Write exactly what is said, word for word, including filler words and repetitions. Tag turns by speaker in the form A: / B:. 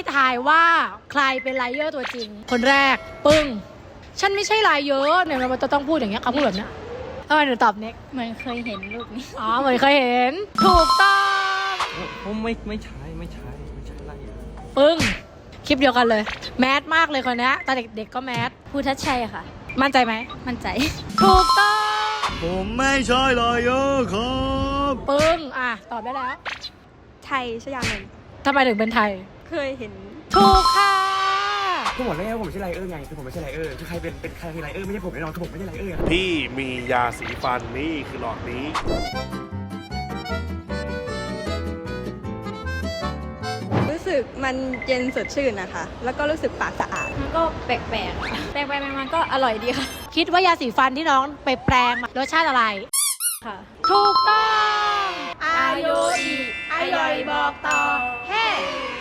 A: ทายว่าใครเป็นไลเยอร์ตัวจริงคนแรกปึ้งฉันไม่ใช่ไลเยอร์เนี่ยมันจะต้องพูดอย่างเงี้ยเขาพูดแบบเนี้ยทำไมถึงตอบเน็ก
B: เหมือนเคยเห็นรูปนี้
A: อ๋อเหมือนเคยเห็นถูกต้อง
C: ผมไม่ไม่ใช่ไม่ใช่ไม่ใช่ไล่เลย
A: ปึ้งคลิปเดียวกันเลยแมสมากเลยคนนี้ตอนเด็กๆก็แมส
B: ภูทัชชัยค่ะ
A: มั่นใจไหม
B: มั่นใจ
A: ถูกต้อง
C: ผมไม่ใช่ไลเยอร์ครับ
A: ปึ้งอ่ะตอบได้แล้ว
B: ไทยชยานนท์
A: ทำไมถึงเป็นไทย
B: เคยเห็น
A: ถูกค่ะ
D: ก็บอกแล้วไงว่าผมไม่ใช่ไลเออร์ไงคือผมไม่ใช่ไลเออร์คือใครเป็นเป็นใครคือไลเออร์ไม่ใช่ผมแน่นอนคือผมไม่ใช่ไลเออร์
E: พี่มียาสีฟันนี่คือหลอดนี้
B: รู้สึกมันเย็นสดชื่นนะคะแล้วก็รู้สึกปากสะอาดมันก็แปลกๆค่ะแปลกๆมันก็อร่อยดีค่ะ
A: คิดว่ายาสีฟันที่น้องไปแปลงรสชาติอะไร
B: ค่ะ
A: ถูกต้องอายุอีอร่อยบอกต่อเฮ้